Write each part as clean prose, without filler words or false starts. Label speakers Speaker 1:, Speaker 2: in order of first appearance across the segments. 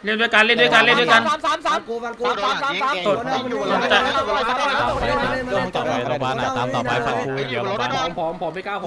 Speaker 1: เล่นด้วยกันเล่นด้วยกันเล่นด้วยกัน
Speaker 2: สามกู
Speaker 3: ต่อไปโรงพยาบาลตามต่อไปฟังครูเดี๋ยวโรงพยาบาล
Speaker 4: ผมไม่กล้าผม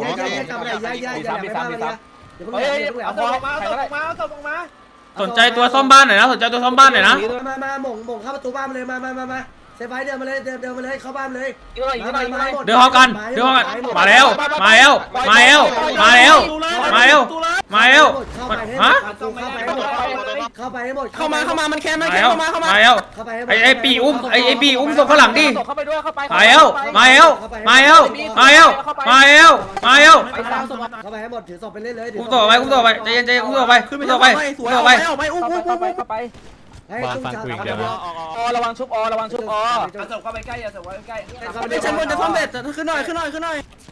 Speaker 2: เฮ้ยเอาตัวมา
Speaker 1: สนใจตัวซ่อมบ้านหน่อยนะสนใจตัวซ่อมบ้านหน่อยนะ
Speaker 5: มาหม่งเข้าประตูบ้านเลยมาเซฟไฟเดินมาเลยเดินมาเลยเข้าบ้านเลย
Speaker 1: เดี๋ยวเขากันมาแล้วมาแล้วมาแล้วมาแล้วมาแล้วมาแล้วฮะ
Speaker 5: เข้าไปให้หมด
Speaker 4: เข้ามามันแค่ไม่แค่เข้ามา
Speaker 1: มาแล้ว
Speaker 5: เข้าไปให้หมด
Speaker 1: ไอ้ปีอุ้มไอ้ปีอุ้มส่งข้างหลังดิ
Speaker 2: เข้าไปด้วยเข้าไป
Speaker 1: มาแล้วมาแล้วมาแล้วมาแล้วมาแล้วมาแล้ว
Speaker 5: เข้าไปให้หมดถือศพไปเรื่อยๆ
Speaker 1: อุ้มต่อไปใจเย็นอุ้มต่อไปอุ้มต่อไปอุ้มต่อไป
Speaker 2: เข้าไป
Speaker 3: บ้านฟังครูอย่างเดียวนะ
Speaker 2: ระวังชุบระวังชุบ
Speaker 4: เอาศพเข้าไปใกล้เอาศพเข้าไปใกล้ชั้นบนจะซ่อมเสร็จขึ้นหน่อย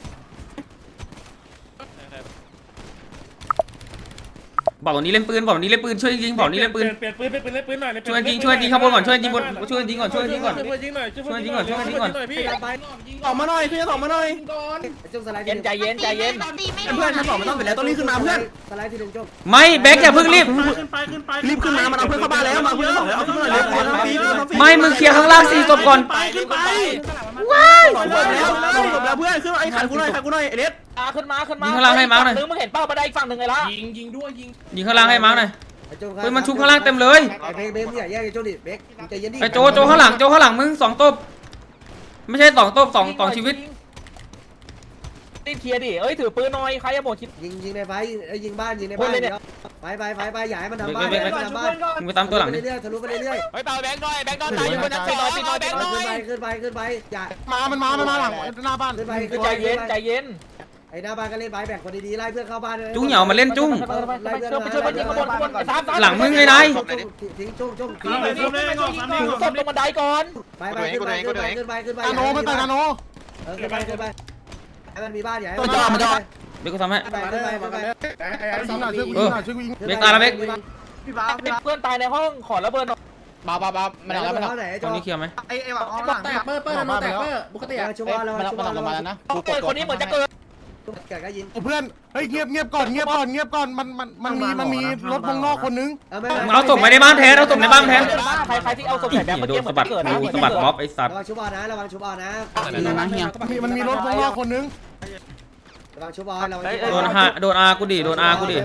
Speaker 1: บอกตรงนี้เล่นปืนบอกตรงนี้เล่นปืนช่วยยิงบอกนี้เล่นปืน
Speaker 6: เปลี่ยนปืนเป็นเล่นปืนหน่อย
Speaker 1: ช่วยยิงข้างบนก่อนช่วยยิงบนช่วยยิงก่อน
Speaker 6: ช่วยยิงหน่อยพี่
Speaker 4: ออกมาหน่อยขึ้นออกมาหน่อย
Speaker 5: จุ่มสไลด์
Speaker 2: เย็นใจเย็น
Speaker 4: เพื่อนชั้นสองมันต้องเสร็จแล้วต้องรีบขึ้นมาเพื่อน
Speaker 5: สไลด์ที่หนึ่งจุ่ม
Speaker 1: ไม่แบ็คอย่าเพิ่งรีบ
Speaker 4: รีบขึ้นมามันเอาเพื่อนเข้าบ้านแล้วมาเพื่อนสองแล้วเอาขึ้นมาเลย
Speaker 1: ไม่มึงเคลียร์ข้างล่าง4ศพก่อน
Speaker 4: ว้ายสองศพแล้วเพื่อนขึ้นไอ้ขันกูหน่อยไอ้เด็ด
Speaker 2: ขึ้นมา
Speaker 1: ยิงข้างล่างให้มาร์คหน่อย
Speaker 2: มึงเห็นเป้าบันไดอีกฝั่งหนึ่งไงล่ะ
Speaker 6: ยิงด้วยยิง
Speaker 1: ยิงข้างล่างให้มาร์คหน่อยเฮ้ยมันชุบข้างล่างเต็มเลย
Speaker 5: ไอ้เบคอย่าแยกไอ้โจดิเบคใจเย็นดิ
Speaker 1: ไอ้โจข้างหลังมึง2ตบไม่ใช่2ตบ2ชีวิต
Speaker 2: รีบเคลียร์ดิเอ้ยถือปืนหน่อยใครจะหมดคิด
Speaker 5: ยิงในไฟยิงบ้านไปอย่าให้มันทำบ้าน
Speaker 1: มึงไปตามตัวหลังดิ
Speaker 5: เรื่อยทะลุไปเรื่อย
Speaker 3: เฮ้ยเปล่าแบงค์หน่อยตายอยู่บนชั้นสองแบงค์หน่อย
Speaker 5: ขึ้นไปอย่า
Speaker 7: มันมาหลังหน้าบ้าน
Speaker 5: ขึ้นไป
Speaker 2: ใจเย็น
Speaker 5: ไอ้หน้าบ้านก็เล่นไปแบ่งคนดีๆไล่เพื่อนเข้าบ้าน
Speaker 1: จุ้งเหยามาเล่นจุ้ง
Speaker 2: ช่วยมันยิงข้างบน3
Speaker 1: หลังมึงไงนาย
Speaker 5: ทิ้งจุ้ง
Speaker 2: ถือศพลงบันไดก่อน
Speaker 5: ไปขึ้นไป
Speaker 7: นาโนไม่ไปนาโน
Speaker 5: ขึ้นไปให้มันมีบ้านใหญ่
Speaker 1: เบคกูทำให้
Speaker 5: ขึ้นไป
Speaker 7: ช่วยกูยิงหน่อยช่วยกูยิง
Speaker 1: เบคตายแล้วเบค
Speaker 2: เพื่อนตายในห้องขอระเบิดหน่อย
Speaker 3: บ้ามันเอาแล้ว
Speaker 1: ตรงนี้เคลียร์ไหม
Speaker 7: ไอ้หวังเอาหลังแตกเปิ้ลแตกปกติ
Speaker 5: ชุบเรา
Speaker 3: มันออกมาแล้วนะ
Speaker 2: คนนี้เหมือนจะเกิด
Speaker 5: แกก็ยิง
Speaker 7: เพื่อนเฮ้ยเงียบก่อนมันมีรถวงนอกคนนึง
Speaker 1: มึงเอาศพไปในบ้านแทนเอาศพในบ้านแทน
Speaker 2: ใครที่เอาศพใส่แบบ
Speaker 1: โดนสะบัดกูสะบัดบ๊อบไอ้สัตว์
Speaker 5: ระวังชุบนะระวังชุบนะ
Speaker 7: มันมีรถวงนอกคนนึง
Speaker 5: ระวังชุบระวัง
Speaker 1: โดนอากูดิโดนอากูดิ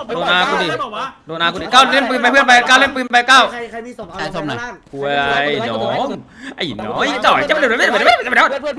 Speaker 1: ก้าวเล่นปืนไปเพื่อนไปก้าวเล่นปืนไปก้าว
Speaker 5: ใครมีศพเอาศพล่าง
Speaker 1: กูไอ้หนอมไอ้หนอยจ่อยจะไม่เดือดไม่เดือดไม่เดือดไม่เดือด
Speaker 2: เพื่อน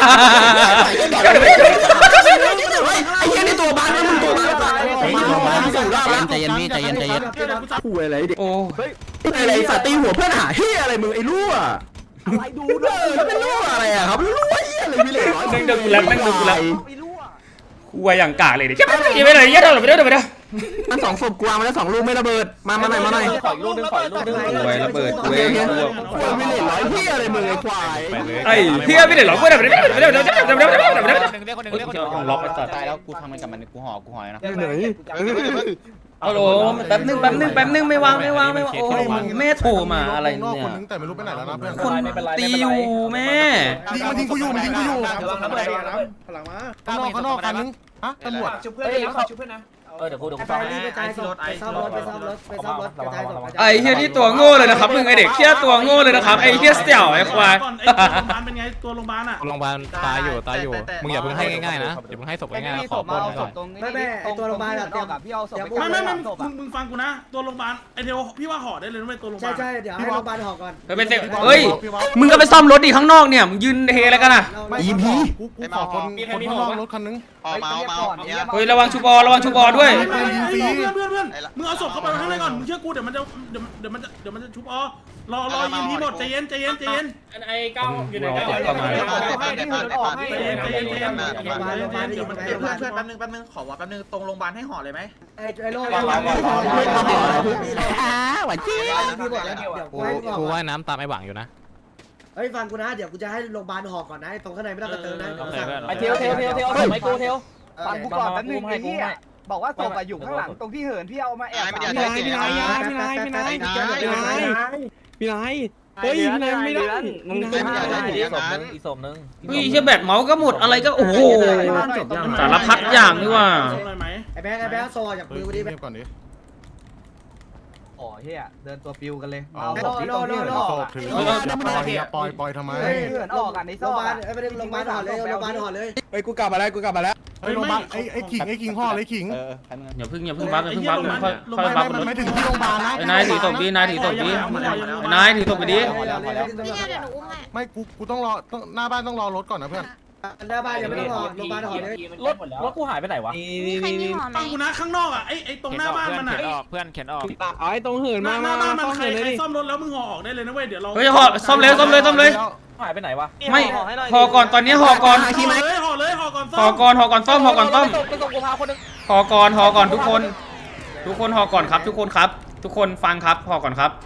Speaker 4: ไอ้เหี้ยนี่ตัวบ้านมันตัวบ้าน
Speaker 3: ใจเย็นพี่ใจเย็น
Speaker 4: คุยอะไรเด็ก
Speaker 1: โอ้
Speaker 4: อะไรสัตว์ตีหัวเพื่อนหาเหี้ยอะไรมึงไอ้รั่วอะไรดูด้วยแล้วเป็นรั่วอะไรอ่ะครับรั่วเหี้ยอะไรมีเหล็ก
Speaker 1: นั่งดูกูแล้วกูว่าอย่างกากเลยเดี๋ยวจะไม่เลยเยอะเท่าไหร่ไม่ได้ไม่ได้
Speaker 4: มัน2ศพกวางมาแล้ว2ลูกไม่ระเบิดมาหน่อย
Speaker 2: ขออีกลูกนึง
Speaker 1: กูไว้ระเบิดกูเอง
Speaker 4: มีเหล็กร้อยเหี้ยอะไรมึงไอ้ควาย
Speaker 1: ไอ้เฮียไม่ได้หรอกไม่ได้ไม่ได้ไม่ได้ไม่ได้ไม่ได้ไม่ได้ต้องล็อกไอ้สัตว์
Speaker 3: ตายแล้วกูทำมันกับมันกูห่อนะ
Speaker 1: ฮัลโหลแป๊บนึงไม่วางโอ้แม่โทรมาอะไร
Speaker 7: นอก
Speaker 1: เนี่
Speaker 7: คน
Speaker 1: ย
Speaker 7: นึงแต่ไม่รู้ไปไหนแล้วนะเพื่อน
Speaker 1: คนตีอยู่แม่
Speaker 7: มันยิงกูอยู่
Speaker 4: หลังมา
Speaker 7: ข้างนอกคันนึงฮะตำรวจ
Speaker 4: ชุบเพื่อนชุบเพื่อนนะ
Speaker 2: เดี๋ยวกู
Speaker 5: ไปรีบไปซ่อมรถกระจายศพ
Speaker 1: ไอ้เฮียนี่ตัวโง่เลยนะครับมึงไอเด็กเฮียตัวโง่เลยนะครับไอ้เฮียเสี่ยวไอ้ควาย
Speaker 6: ไอ้ตัวโรงพยาบาลเป็นไงตัวโรงพยาบาลอ่ะ
Speaker 3: โรงพยาบาลตายอยู่มึงอย่าเพิ่งให้ง่ายๆนะอย่าเพิ่งให้ศพง่ายๆขอปนก่อน
Speaker 5: ไม่ตัวโรงพยาบาลอะพี่เอาศพ
Speaker 6: ไม่มึงฟังกูนะตัวโรงพยาบาลไอเดียวพี่ว่าห่อได้เลยไม่ตัวโรงพยาบาล
Speaker 5: ใช่เดี๋ยวให้โรงพยาบาลห่อก่อน
Speaker 1: ไปเซ็เฮ้ยมึงก็ไปซ่อมรถดิข้างนอกเนี่ยมึงยืนเฮอะไรกันอ่ะ
Speaker 7: กูขอคนข้างนอกรถคันนึง
Speaker 1: เฮ้ยระวังชูบอด้วย
Speaker 6: เพื่อนมึงเอาศพเข้าไปข้างในก่อนมึงเชื่อกูเดี๋ยวมันจะชุบรอยิงทีหมดใจเย็นไอ้ก้าวอยู่ไหนก้าว
Speaker 5: โรงพยาบาล
Speaker 4: เพื่อนแป๊บนึงขอว่าแป๊บนึงตรงโรงพยาบาลให้ห่อเลยไหม
Speaker 5: ไอ้โล่
Speaker 4: หวานจี้
Speaker 3: กูว่ายน้ำตามไอ้หวังอยู่นะ
Speaker 5: เฮ้ยฟังกูนะเดี๋ยวกูจะให้โรงพยาบาลห่อก่อนนะตรงข้างในไม่ต้องกระเติมนะ
Speaker 2: ไอเทลไม่กูเทล
Speaker 8: ฟังกูก่อนแป๊บนึงไอ้ที่บอกว่าศพอยู่ข้างหลังตรงที่เหินพี่เอามาแอบ
Speaker 4: พี่นายเฮ้ยพี่นายไม่ได้มึง
Speaker 2: อีกศพนึง
Speaker 1: เฮ้ยเชี่ยแบตเมาส์ก็หมดอะไรก็โอ้โหสารพัดอย่างนี่ว่า
Speaker 5: ไอ้แบงค์โซ่จากมือกูดิ
Speaker 7: เงียบก่อนดิ
Speaker 8: อ๋อเฮียเดินตัวปิวกันเลย
Speaker 7: เอา
Speaker 8: เอาศพที่ตรงที่เหินออก
Speaker 7: ศพ
Speaker 8: อะ
Speaker 7: ถืออย่าปล่อยทำไม
Speaker 8: เฮ้ยเหินออกอ่ะในซ
Speaker 5: โร
Speaker 8: อง ก
Speaker 5: พยาบาล
Speaker 8: อะ
Speaker 5: ไม่ได้โรงพยาบาลห่อเลยโรงพยาบาลห่อเลย
Speaker 4: เฮ้ยกูกลับมาแล้ว
Speaker 7: ไอ้โรงพยาบาลไอ้ขิงห่อเลยขิง
Speaker 1: อย่าพึ่งบัฟอย่าพึ่งบัฟค่อยบัฟบนรถ
Speaker 7: ไม่ถึงที่โรงพยาบาลนะ
Speaker 1: ไอ้นายถือศพดีนายถือศพดีไอ้นายถือศพไปดิ
Speaker 9: พี่เนี่ยเดี๋ยวหนูอุ้มให้
Speaker 7: ไม่กูต้องรอหน้าบ้านต้องรอรถก่อนนะเพื่อน
Speaker 5: หน้าบ้านยังไม่ต้องห่อโรงพยาบาลห่อเลย
Speaker 2: รถกูหายไปไหนวะ
Speaker 9: มีใครมีห่อไหม
Speaker 6: ฟังกูนะข้างนอกอ่ะไอ้ตรงหน้าบ้านมันอ่ะ
Speaker 3: เพื่อนเข็นออก
Speaker 2: เอาไอ้ตรงเหิน
Speaker 6: ห
Speaker 2: มา
Speaker 6: น้าบ้านมันใครซ่อมรถแล้วมึงห่อออกได้เลยนะเว้ยเดี๋ยวเรา
Speaker 1: เฮ้ยห่อซ่อมเลย
Speaker 2: หายไปไหนวะ
Speaker 1: ไม่ห่อก่อนตอนนี้ห่อก่อน
Speaker 6: ห่อเลยห่อก่อน
Speaker 1: ห่อก่อนซ่อม
Speaker 2: ไปส่งกูพาคนนึง
Speaker 1: ห่อก่อนทุกคนห่อก่อนครับทุกคนฟังครับห่อก่อนครับ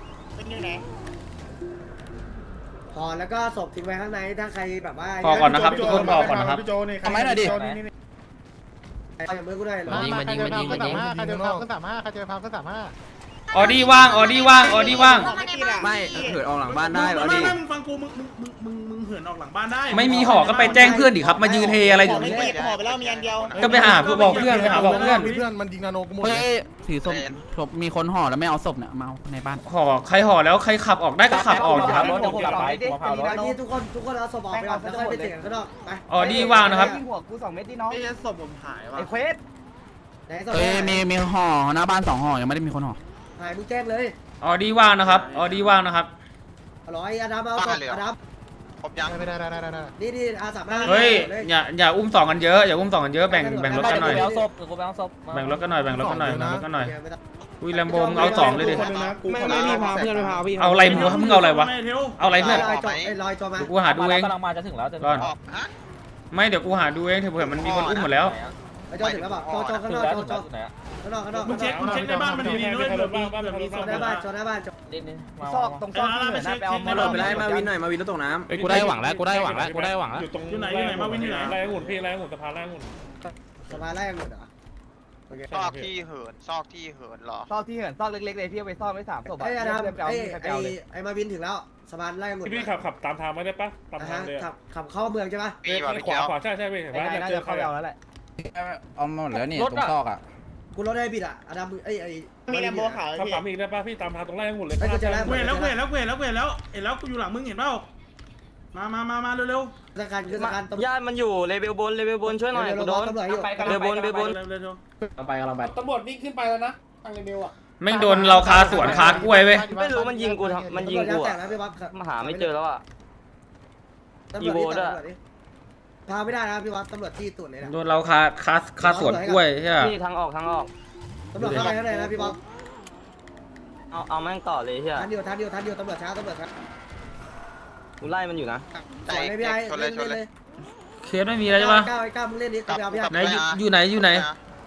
Speaker 5: ห่อแล้วก็ศพทิ้งไว้ข้างในถ้าใครแบบว่า
Speaker 1: ห่อก่อนนะครับทุกคนห่อก่อนนะครับ
Speaker 4: ทำไมหน่อยดิ
Speaker 5: อย่างมือกูได้เหรอ
Speaker 7: ยิงใครเจอพับก็35
Speaker 1: ออดี้ว่าง
Speaker 4: ไม่เหินออกหลังบ้านได้เหรอดิ
Speaker 6: ไม่มึงฟังกูมึงเหินออกหลังบ้านได้
Speaker 1: ไม่มีห่อก็ไปแจ้งเพื่อนดิครับมายืนเฮอะไรอยู่นี่
Speaker 8: ห่อไปแล้วมีอันเดียว
Speaker 1: ก็ไปหาบอกเพื่อนไปหาบอกเพื่อน
Speaker 7: มีเพื่อนมันยิงนาโนกูหมด
Speaker 4: เฮ้ยถือศพมีคนห่อแล้วไม่เอาศพเนี่ยมาในบ้าน
Speaker 1: ห่อใครห่อแล้วใครขับออกได้ก็ขับออกครับ
Speaker 2: รถกูกลับไปกูพา
Speaker 5: อันนี้ทุกคนเอาศพออกไปก่อนแล้วค่อยไปเถียงกันข้างนอกไป
Speaker 1: ออดี้ว่างนะครับ
Speaker 8: หัวกู2 เม็ดที่น้อง
Speaker 6: ไอ้ศพผมหายว่ะ
Speaker 8: ไอ้เควส
Speaker 5: ไหนศพ
Speaker 4: เอ้ยมีห่อหน้าบ้าน2ห่อยังไม่ได้มีคนห่อ
Speaker 5: หายมึงแจ้งเลย
Speaker 1: ออดี้ว่างนะครับ
Speaker 5: อร่อยอาดัมเอาศพอาดัม
Speaker 7: ได้
Speaker 5: นี่อาสามารถ
Speaker 1: เฮ้ยอย่าอุ้มสองกันเยอะแบ่งรถกันหน่อย
Speaker 2: กูไปเอาศพกูไปเอาศพ
Speaker 1: แบ่งรถกันหน่อยอุ้ยแลมโบมึงเอาสองเลยดิ
Speaker 2: ไม่พี่พาเพื่อนไปพาพี่
Speaker 1: เอาอะไรมึงเอาอะไรวะเอาอะไรเพื่อน
Speaker 5: ลอยจอมา
Speaker 1: กูหาดูเอง
Speaker 2: กำลังมาจะถึงแล้วจะ
Speaker 1: ก่อนไม่เดี๋ยวกูหาดูเองเผื่อมันมีคนอุ้มหมดแล้ว
Speaker 5: ไอ้จอถึงแล้วเปล่าจอข้างนอกจอข้างนอก
Speaker 6: มึงเช็คในบ้านมันดีๆด้วยเผื่อมีศพ
Speaker 5: หน้าบ้านจอหน้าบ้านจอ
Speaker 8: ซอกตรงซอกที่เหินนะไปเอามา
Speaker 4: ไปไล่มาวินหน่อยมาวินแล้วตกน้ำ
Speaker 3: ไอ้กูได้หวังแล้ว
Speaker 6: อยู่ไหนมาวินอยู่ไหน
Speaker 5: สบายไล่กันหมดเหรอ
Speaker 10: ซอกที่เหินซอกเหรอ
Speaker 8: ซอกที่เหินซอกเล็กๆเลยที่เอาไปซ่อนไว้3 ศพ
Speaker 5: ไอ้อาดัม
Speaker 8: ไปเอาใครไปเอาเลย
Speaker 5: ไอ้มาวินถึงแล้วสบายไล่กันหมด
Speaker 6: พี่ขับตามทางไม่ได้ปะตามทางเลย
Speaker 5: ขับเข้าเมืองใช่ปะ
Speaker 10: มีแบบขวา
Speaker 6: ใช่เว้ยเห็น
Speaker 8: ไอ้
Speaker 6: ปะ
Speaker 8: นายน่าจะเข้าไปเอาแล้วแหละ
Speaker 4: เอาหมดแล้วนี่ตรงซอกอ่ะ
Speaker 5: กูรถได้บิดอ่ะอาดัมไอ้
Speaker 8: มีแลมโบขาว
Speaker 6: ขับอีกได้ปะพี่ตามทางตรงไล่หมดเลย
Speaker 5: ไอ้กูจะไล่
Speaker 6: เว้ยแล้วกูอยู่หลังมึงเห็นเปล่ามาเร็ว
Speaker 5: สการคือสการตำรวจ
Speaker 2: ญาติมันอยู่เลเวลบนช่วยหน่อยกูโดน
Speaker 5: ตำรวจอยู่
Speaker 2: เลเวลบน
Speaker 6: เร็ว
Speaker 2: ไปกำลังไป
Speaker 6: ตำรวจวิ่งขึ้นไปแล้วนะทางเรเบลอ่ะ
Speaker 1: แม่งโดนเราคาสวนคากล้วยเว้ย
Speaker 2: ไม่รู้มันยิงกูมันยิงกู
Speaker 5: แต่นะพี่บ๊อบ
Speaker 2: มาหาไม่เจอแล้วอ่ะ
Speaker 5: ตำรวจพาไม่ได้นะพี่บ๊อบตำรวจที่ตุ่นเลยนะ
Speaker 1: โดนเราคาสวนกล้วยใช่ไหม
Speaker 2: นี่ทางออก
Speaker 5: ตำรวจเข้าไปข้างในนะพี่บ๊อบ
Speaker 2: เอาแม่งต่อเลยเฮีย
Speaker 5: ทันอยู่ตำรวจช้า
Speaker 2: กูไล่มันอยู่นะ
Speaker 5: สวยเลยพี่ไอ้เล่นเลย
Speaker 1: เคสไม่มีแล้วใช่ปะ
Speaker 5: ก้าวมึงเล่นดิไปเอาพี่
Speaker 1: ไหนอยู่ไหน
Speaker 10: ม